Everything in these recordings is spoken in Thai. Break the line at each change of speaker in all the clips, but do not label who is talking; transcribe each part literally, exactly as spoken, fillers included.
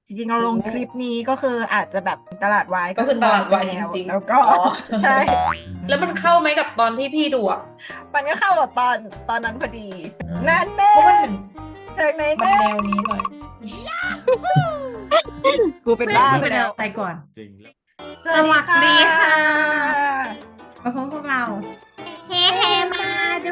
จริงๆเราลงคลิปนี้ก็คืออาจจะแบบตลาดวาย
ก็คือตลาดวายจริงๆ
แล้วก็ใช่
แล้วมันเข้าไหมกับตอนที่พี่ดูอ่ะ
มันก็เข้ากับตอนตอนนั้นพอดี นั่นแน่
เพราะมันเป็น
เชิงไหน
มัน
แน่
แนวนี้หน่อย
กูเป็นบ้าไป
ไป
แล้ว
ไปก่อน
จริงแล้ว
สวัสดีค่ะ
มาพบพวกเรา เฮ้เฮมาดู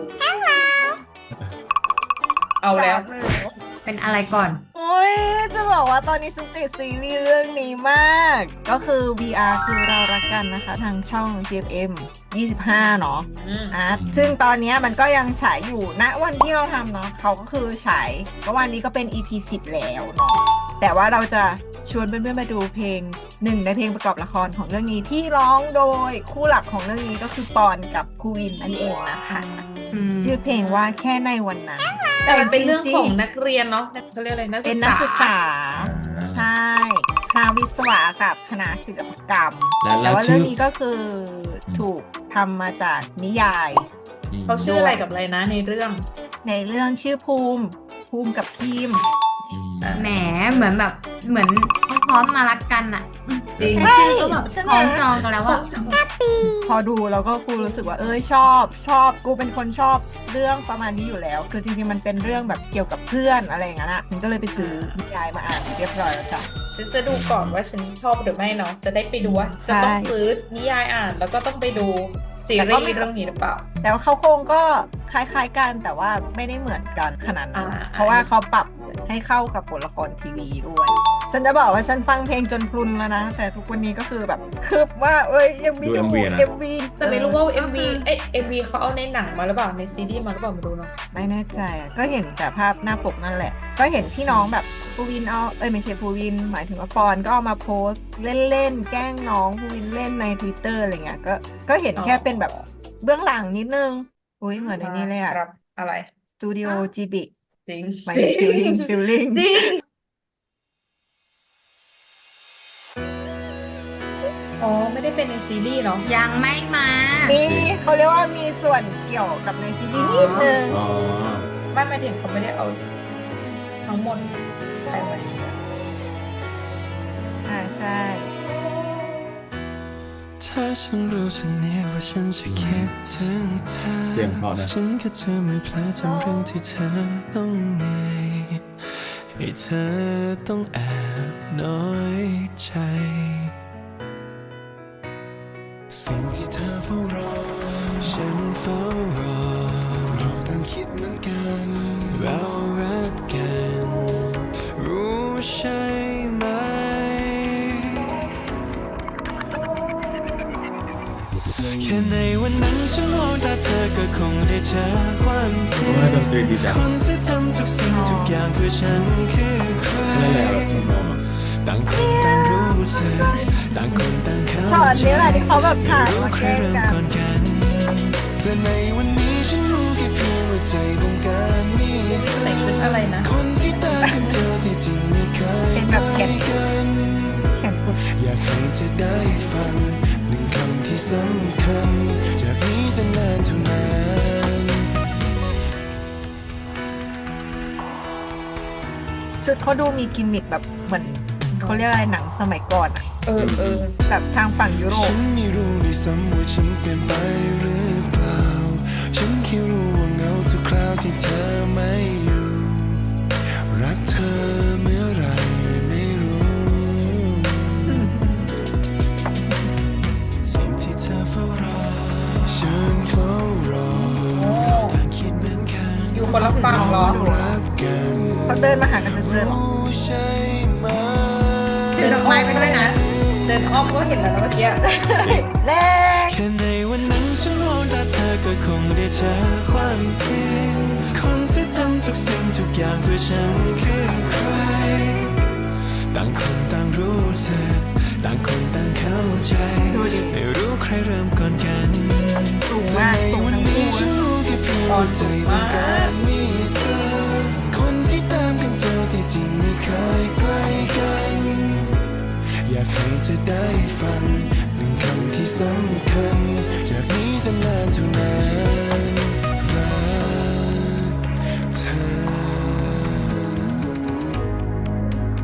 เอาแล้ว
เป็นอะไรก่อน
โอ้ยจะบอกว่าตอนนี้ฉันติดซีรีส์เรื่องนี้มาก ก็คือ วี อาร์ คือเรารักกันนะคะ ทางช่อง จี เอฟ เอ็ม ยี่สิบห้าเนาะ
อืม
อ่ะซึ่งตอนเนี้ยมันก็ยังฉายอยู่ณวันที่เราทำเนาะเขาก็คือฉายเมื่อวานนี้ก็เป็น อี พี สิบแล้วเนาะแต่ว่าเราจะชวนเพื่อนๆมาดูเพลงหนึ่งในเพลงประกอบละครของเรื่องนี้ที่ร้องโดยคู่หลักของเรื่องนี้ก็คือปอนกับภูวินนั่นเองนะคะ
อืม
ชื่อเพลงว่าแค่ในวันนั้น
แต่มันเป็นเรื่องของ
จๆ
นักเรียนเนาะเขาเรียกอะไรนัก
เป็
ศึ
น
ก
นัก
ษา
ศึกษา ใช่คณะวิศวะกับคณะศิลปกรรม
แล้ว
แต่ว่า
ชื่
เรื่
อ
องนี้ก็คือถูกทำมาจากนิยาย
ม
เขาชื่ออะไรกับอะไรนะในเรื่อง
ในเรื่องชื่อภูมิ ภูมิกับพิม
อืม
แหมเหมือนแบบเหมือนพร้อมมารักกันอ่ะ
จริง
แค่ชื่อก็แบบ
ใช่ไหม
คล้องจองกันแล้วว่า
พอดูแล้วก็กูรู้สึกว่าเอ้ยชอบชอบกูเป็นคนชอบเรื่องประมาณนี้อยู่แล้ว คือจริงๆมันเป็นเรื่องแบบเกี่ยวกับเพื่อนอะไรอย่างนั้นอ่ะมันก็เลยไปซื้อนิยายมาอ่านเรียบร้อยแล้วจ้ะ
ฉันจะดูก่อนว่าฉันชอบหรือไม่เนาะจะได้ไปดูว่าจะต้อง
ใช่
ซื้อนิยายอ่านแล้วก็ต้องไปดูซี
แต่
รี
ก็
ส์
ไม่
เรื่องนี้หรือเปล่า
แต่ว่าเขาโครงก็คล้ายๆกันแต่ว่าไม่ได้เหมือนกันขนาดนั้น
อ่า
เพราะว่าเขาปรับให้เข้ากับบทละครทีวีด้วย ฉันจะบอกว่าฉันฟังเพลงจนพลุนแล้วนะ แต่ทุกวันนี้ก็คือแบบคืบว่าเอ้ยยังมี
ดู MV นะ
เอ็มวี
แต่ไม่รู้ว่า เอ็ม วี เอ๊ะ เอ็ม วี เขาเอาในหนังมาหรือเปล่าในซีรีส์มาหรือเปล่าไม่รู้เนาะ
ไม่แน่ใจอะก็เห็นแต่ภาพหน้าปกนั่นแหละ ก็เห็นที่น้องแบบภูวินเอาเอ้ยไม่ใช่ภูวิน หมายถึงว่าปอนก็เอามาโพสต์เล่นๆแกล้งน้องภูวินเล่นใน Twitter อะไรเงี้ยก็ก็เห็นแค่เป็นแบบเบื้องหลังนิดนึงอุ้ยเหมือนในนี้เลยอะ
ครับอะไร
สตูดิโอจีบิ
จริง
หมายถึงฟิลลิ่งฟิลลิ่ง
จริง อ๋อ ไม่ได้เป็นในซีรีส์เนาะ
ยังไม่มา
มีเขาเรียกว่ามีส่วนเกี่ยวกับในซีรีส์นิดนึง
อ๋อ
ไม่หมายถึงเขาไม่ได้เอาทั้งหมดไปไว้
อ่าใช่
ถ้าฉันรู้สึกเนี่ยว่าฉันจะคิดถึงเธอ
เสียงเพราะนะ
ฉันแค่จะไม่เพลอจำเรื่องที่เธอต้องเหนื่อยให้เธอต้องแอบน้อยใจ สิ่งที่เธอเฝ้ารอ ฉันเฝ้ารอ เราต่างคิดเหมือนกัน เรารักกัน รู้ใช่ไหม แค่ในวันนั้นฉันมองตาเธอก็คงได้เจอความจริง
ว่าดนตรีดีจัง
คนที่ทำทุกสิ่งทุกอย่างเพื่อฉันคือใคร
นั่นแหละเราทำนองอะ
ต่างคนต่างรู้สึกต่างคนต่างเข้า
ช็อต
ใจ
นี้แหละที่เขาแบบผ่านมาแกล้ง
รู้
กั
ใครเริ่มก่อน นกันและในวันนี้ฉันรู้แค่เพียงว่าใจต้องการมีเธอ
ใส่ชุดอะไรนะ
คนที่ตามกันเจอที่จริงไม่เคย
เป็นแบบแขน
กัน
แข่งกุด
อยากให้เธอได้ฟังหนึ่งคำที่สำคัญ จากนี้จะนานเท่านาน
ชุดเขาดูมีกิมมิคแบบเหมือนเขาเรียกอะไรหนังสมัยก่อนอะ
เออเออ
แบบทางฝั่งยุโร
ฉั
ป
นไม่รู้ด้วยซ้ำว่าฉันเปลี่ยนไปหรือเปล่า ฉันแค่รู้ว่าเหงาทุกคราวที่เธอไม่อยู่ รักเธอเมื่อไหรไม่รู้ สิ่งที่เธอเฝ้ารอ ฉันเฝ้ารอเราต่างคิดเหมือนกัน
อยู่คนละฝั่งเหรอ
รักกัน
เขาเดินมาหากันเจอๆหรอ
รู้ใช่ไหม
ถือดอกไม้ไปด้วยนะ
เดินอ้อมก็เห็นแล้วนะเมื่อกี้
แรก
แค่ในวันนั้นฉันมองตาเธอก็คงได้เจอความจริง คนที่ทำทุกสิ่งทุกอย่างเพื่อฉันคือใคร ต่างคนต่างรู้สึกต่างคนต่างเข้าใจ
ดูดิ
ไม่รู้ใครเริ่มก่อนกัน
สูงมากสูง
วัน
ทั้ง
นี้
คู่
ฉันรู้แค่เพียงว่าใจต้องการมีเธอ คนที่ตามกันเจอที่จริงไม่เคยใกล้กัน อยากให้เธอได้ฟังหนึ่งคำที่สำคัญ จากนี้จะนานเท่านานรักเธอ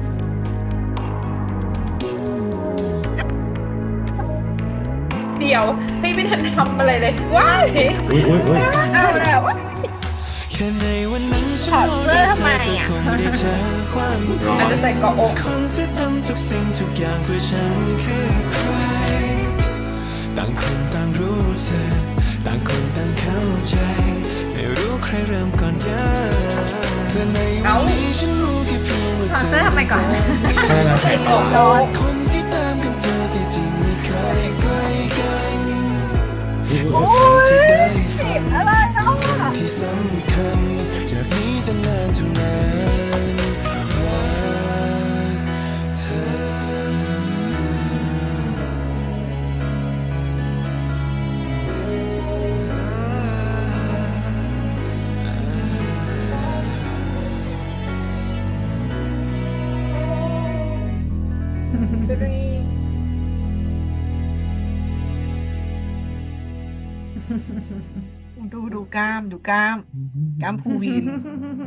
ดียวไม่ไม่ทันทำอะไรเลยว้าย
อุ้ยอุ้ยอุ้ย
เอาแล้ว
แค่ในวันนั้นฉั
ถอดเสื้อทำไม
แต่
อ่ะ
คงได้เจอความ
ร้อ
อาจ
น
จะใส่เกาะอก
คนที่ทำทุกสิ่งทุกอย่างเพื่อฉันคือใคร ต่างคนต่างรู้สึกต่างคนต่างเข้าใจไม่รู้ใครเริ่มก่อนกันและในวันนี้ฉันรู้แค่เพียงว่า
ถอด
เธ
เสื้อ
อ
ทำไมก่อน
ใช่แล้วใส่
ใส่
ต่
เกาะ
อ
อก
คนที่ตามกันเจอที่จริงไม่เคยใกล้กัน
อุ้ย
และ
อุ้ย
เธอจะได้ฟัง
อะไรเนาะ
ที่สำคัญจากนี้จะนานเท่านานรักเธอ
ดูดูกล้ามดูกล้ามกล้ามภูวิน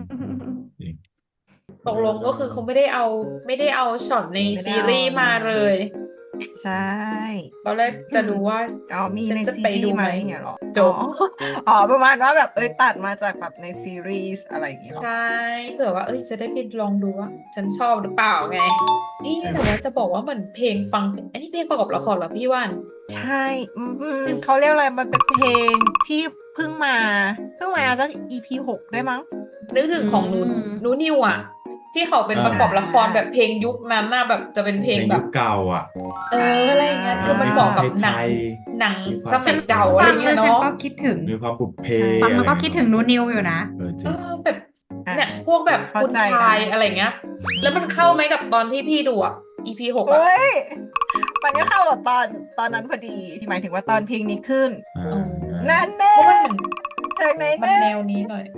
ตกลงก็คือเขาไม่ได้เอาไม่ได้เอาช็อตใน
ไม่ได้
ซี
เอา
รีส์มาเลย
ใช่
ตอนแรกจะดูว่า
อ๋อมี
ฉัน
ใน
จะ
ซี
ไป
รี
ดู
ส์
ไห
ไห
ม
มเนี่ยเหรอ
จบ
อ๋ออ๋อประมาณว่าแบบเอ้ยตัดมาจากแบบในซีรีส์อะไรอย่างเงี้ยเหรอ
ใช่เผื่อว่าเอ้ยจะได้ไปลองดูว่าฉันชอบหรือเปล่าไงพี่แต่ว่าจะบอกว่าเหมือนเพลงฟังอันนี้เพลงประกอบละครเหรอพี่ว่าน
ใช่อืมอืมเขาเรียกอะไรมันเป็นเพลงที่เพิ่งมาเพิ่งมาสัก อี พี หกได้มั้ง
นึกถึงของหนู
อืม
หนูนิวอ่ะ ที่เขาเป็น
อ่า
ประกอบละครแบบเพลงยุคนั้นน่ะแบบจะเป็นเพ
เพ
ล
ล
ง
ง
แบ
ยุ
บ
คเก่าอ่ะ
เอออะไรอย่างเงี้ยคือมันเหมาะกับหนัง
ไทย
หนัง
มีความ
สมัยเก่าอะไร
ฟัง
เงี้
แล้
ยว
ฉัน
เนาะ
ก็คิดถึง
มีความปุบเพ
ฟังแล้วก็
อะไร
คิดถึงนูนิวอยู่นะ
เออจ
เอ
ริง
อแบบ
อ่ะ
เนี่ยพวกแบบ
เข้า
คุณ
ใจ
ชาย
ได้
อะไรเงี้ย แล้วมันเข้าไหมกับตอนที่พี่ดูอ่ะ อี พี หกอ่ะ
เฮ้ยมันก็เข้ากับตอนตอนนั้นพอดีหมายถึงว่าตอนเพลงนี้ขึ้น
อ่า
เออ
นั่นแน่
เพราะมันเหมือน
จากไหน
มัน
แน่
แนวนี้หน่อย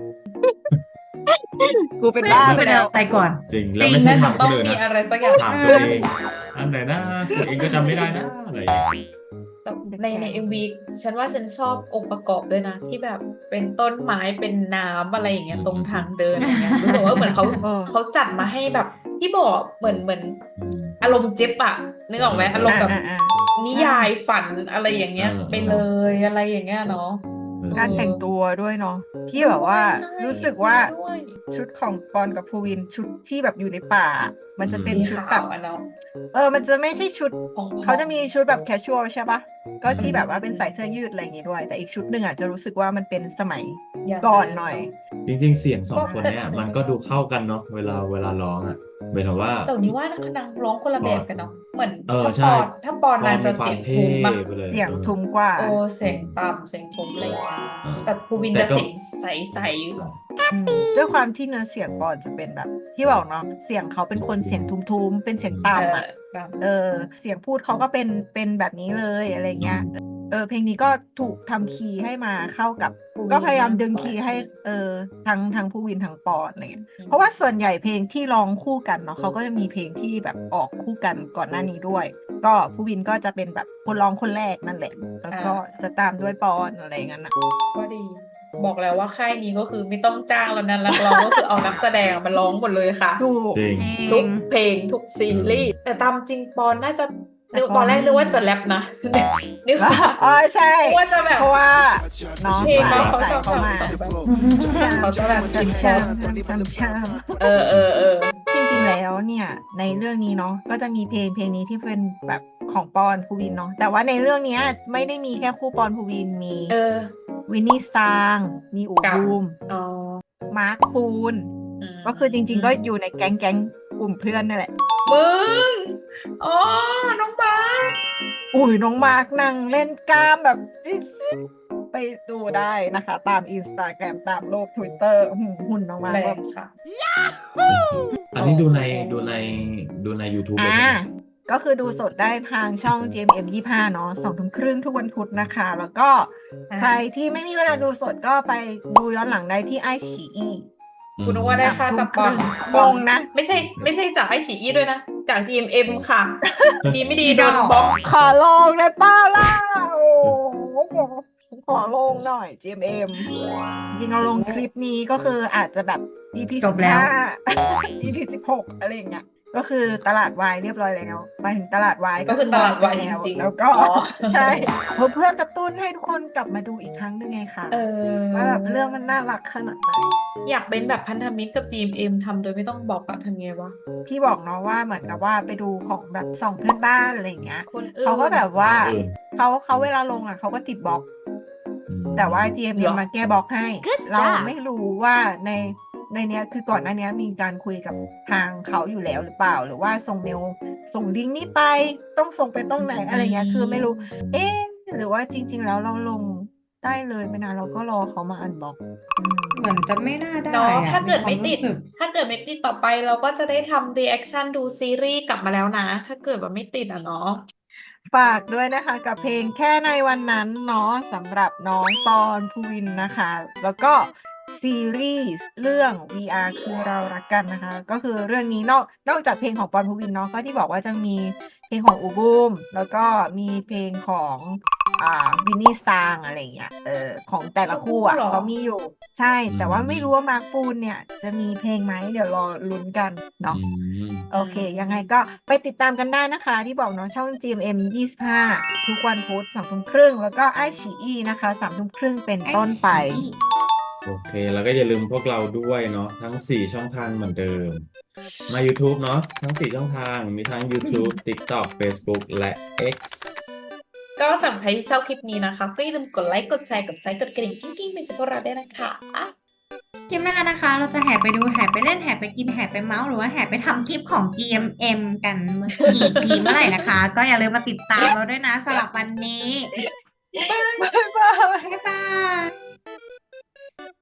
กูเป็นบ้าไป
ไม่ได้
แล้ว
ไปก่อน
จริงแล้วไม่ใช่
น่าจะ
ถามค
ต้อน ง
อื่น
มี
นะ
อะไรสักอย่าง
ถามตัวเองอันไหนนะตัวเองก็จำไม่ได้นะอะไรอย่างเงี้ย
แต่ในในเอ็มวีฉันว่าฉันชอบองค์ประกอบด้วยนะ ที่แบบเป็นต้นไม้เป็นน้ำอะไรอย่างเงี้ยตรงทางเดินอะไรเงี้ยรู้สึกว่าเหมือนเขา
เออ
เขาจัดมาให้แบบที่บอกเหมือนเหมือน
อืม
อารมณ์เจ็บอะนึกออกไหมอารมณ์แบบ
อ่ะอ่ะอ่ะ
นิยายฝันอะไรอย่างเงี้ย
เออ
ไปเลยอะไรอย่างเงี้ยเนาะ
เออ
การแต่งตัวด้วยเนาะที่แบบว่า
ใช่
รู้สึกว่า
ด้วย
ชุดของปอนกับภูวินชุดที่แบบอยู่ในป่า มันจะเป็น
สี
ชุด
ขา
แบบ
วอะเนาะ
เออ มันจะไม่ใช่ชุด
ของ
เขาจะมีชุดแบบแคชชวลใช่ปะก็ที่แบบว่าเป็นใส่เสื้อยืดอะไรอย่างงี้ด้วย แต่อีกชุดหนึ่งอ่ะจะรู้สึกว่ามันเป็นสมัยก่อนหน่อย
จริงๆ เสียงสองคนเนี้ยมันก็ดูเข้ากันเนาะเวลาเวลาร้องอ่ะหมายถึงว่า
แต่นี้ว่านักนางร้องคนละแบบกันเนาะเหมือน
เออ
ถ้า
ใช่
ปอนถ้าปอนนางจะเสียงทุ้มแบบ
ไปเลย
เสียงทุ้มกว่า
โอ้เสียงต่ำเสียงทุ้มอะไรอย่างเงี้ย
เออ
แต่ภูวิน
แต่
จะ
ก็
เสียงใส
สอง
อืมด้วยความที่เนื้อเสียงปอนจะเป็นแบบ ที่บอกเนาะเสียงเขาเป็นคนเสียงทุ้มๆเป็นเสียง
ๆเอ
ต่ำ
อ
อ่ะ
ต่ำ
เออ เสียงพูดเขาก็เป็นเป็นแบบนี้เลยอะไรเงี้ย เออเพลงนี้ก็ถูกทำคีย์ให้มาเข้ากับ
ภูวิน
ก็พยายามดึง
มากกว่า
คีย์ให้
ใช่ไหม
เออทั้งทั้งผู้วินทั้งปอนอะไรเงี้ย
อืม
เพราะว่าส่วนใหญ่เพลงที่ร้องคู่กันเนาะเขาก็จะมีเพลงที่แบบออกคู่กันก่อนหน้านี้ด้วย ก็ผู้วินก็จะเป็นแบบคนร้องคนแรกนั่นแหละ แล้วก็จะตามด้วยปอนอะไรอย่างนั้นนะ
ก็ดี บอกแล้วว่าค่ายนี้ก็คือไม่ต้องจ้างแล้วนะนักร้องก็คือเอานักแสดงมาร้องหมดเลยค่ะ
ดู
จริง
ทุกเพลงทุกซีรีส์แต่ตามจริงปอนน่าจะนึกตอนแรกนึกว่าจะแรปนะ นึกว่า
อ๋อใช่
นึกว่าจะแบบ
เพราะว่าน้อง
เพลงเขาเขา
ใส่
จะ
เข้ามา
แบบเขาจะแบบกิน
ช้
โฟ
ำช้ำช้ำ
เออเออเออ
จริงๆแล้วเนี่ยในเรื่องนี้เนาะก็จะมีเพลงเพลงนี้ที่เป็นแบบของปอนภูวินเนาะแต่ว่าในเรื่องเนี้ยไม่ได้มีแค่คู่ปอนภูวินมี
เออ
วินนี่ซางมีอู
กับ
บูม
อ๋อ
มาร์คปูน
ม
ก็คือจริง ๆ ก็อยู่ในแก๊งแก๊งกลุ่มเพื่อนนั่นแหละ
มึงอ๋อน้องบาส
อุ้ยน้องมาร์คนั่งเล่นกล้ามแบบจิ๊ดซิดไปดูได้นะคะ ตามอินสตาแกรมตามโลกทวิตเตอร์หุ่นน้องมาร์
แร
คแบ
ง
บ
ค่ะ
อันนี้ดูในดูในดูใน YouTube เลย
อ่า
ใช่ไหม
ก็คือดูสดได้ทางช่อง จี เอ็ม เอ็ม ยี่สิบห้า เนาะสองทุ่มครึ่งทุกวันพุธนะคะ แล้วก็
อ่า
ใครที่ไม่มีเวลาดูสดก็ไปดูย้อนหลังได้ที่ไอฉีอี
คุณนึกว่าได้ค่าสปอน
งงนะ
ไม่ใช่ไม่ใช่จากไอฉีอีด้วยนะ จาก ดี เอ็ม เอ็ม ค่ะ ดีไม่ดีโดนบล็อก
ขอลงได้เป้าล่ะโอ้โหขอลงหน่อย จี เอ็ม เอ็ม จริงๆเราลงคลิปนี้ก็คืออาจจะแบบ อี พี
จบแล้ว
สิบห้า อี พี สิบหกอะไรอย่างเงี้ยก็คือตลาดวายเรียบร้อยแล้วหมายถึงตลาดวาย
ก็คือตลาดวายจริงๆ
แล้วก็
อ๋อ
ใช่เพื่อเพื่อกระตุ้นให้ทุกคนกลับมาดูอีกครั้งหนึงไงคะ
เออ
ว่าแบบเรื่องมันน่ารักขนาดไหน
อยากเป็นแบบพันธมิตรกับ จี เอ็ม เอ็ม ทำโดยไม่ต้องบอกอะทำไงวะ
ที่บอกเนาะว่าเหมือนกับว่าไปดูของแบบสองเพื่อนบ้านอะไรอย่างเงี้ย
คนอื่น
เขาก็แบบว่า
คนอื่น
เขาเขาเวลาลงอ่ะเขาก็ติดบล็อก
อืม
แต่ว่า จี เอ็ม เอ็ม
เหรอ
มาแก้บล็อกให้
Good
เรา
job
ไม่รู้ว่าในในเนี้ยคือก่อนหน้าเนี้ยมีการคุยกับทางเขาอยู่แล้วหรือเปล่า หรือว่าส่งเมลส่งลิงก์นี้ไปต้องส่งไปตรงไหนอะไรเงี้ยคือไม่รู้ เอ๊ะหรือว่าจริง ๆ แล้วเราลงได้เลยไม่นานเราก็รอเขามาอันบล็อกอืม
เหมือนจะไม่น่าได้
เนาะ
อะ
ถ้าเกิดไม่
ในคว
ติด
รู้สึก
ถ้าเกิดไม่ติดต่อไปเราก็จะได้ทำ reaction ดูซีรีส์กลับมาแล้วนะ ถ้าเกิดว่าไม่ติดอะเนาะ
ฝากด้วยนะคะกับเพลงแค่ในวันนั้นเนาะสำหรับน้องปอนภูวินนะคะ แล้วก็ซีรีส์เรื่อง วี อาร์ คือเรารักกันนะคะ ก็คือเรื่องนี้นอกนอกจากเพลงของปอนภูวินเนาะก็ที่บอกว่าจะมีเพลงของอูบูม แล้วก็มีเพลงของอ่าวินนี่สตางอะไรอย่างเงี้ยเออของแต่ละคู่อ่ะ
เหรอ
เขามีอยู่ใช่ แต่ว่าไม่รู้ว่ามาร์คปูนเนี่ยจะมีเพลงไหมเดี๋ยวรอลุ้นกันเนาะ
อืม
โอเค ยังไงก็ไปติดตามกันได้นะคะ ที่บอกเนาะช่อง จี เอ็ม เอ็ม ยี่สิบห้า ทุกวันพุธสองทุ่มครึ่งแล้วก็ไอฉีอีนะคะสามทุ่มครึ่งเป็นต้นไป
โอเค แล้วก็อย่าลืมพวกเราด้วยเนาะทั้งสี่ช่องทางเหมือนเดิม มา YouTube เนาะทั้งสี่ช่องทางมีทั้ง YouTube TikTok Facebook และ X
ก็สำหรับใครที่ชอบคลิปนี้นะคะก็อย่าลืมกดไลค์กดแชร์กดไซค์กดกระดิ่งกิ้งๆเป็นจะพวกเราได้นะคะ
คลิปหน้านะคะ เราจะแห่ไปดูแห่ไปเล่นแห่ไปกินแห่ไปเมาส์หรือว่าแห่ไปทำคลิปของ จี เอ็ม เอ็ม กันอีกทีเมื่อไหร่นะคะ ก็อย่าลืมมาติดตามเราด้วยนะสำหรับวันนี้
บ๊ายบาย
บ๊ายบาย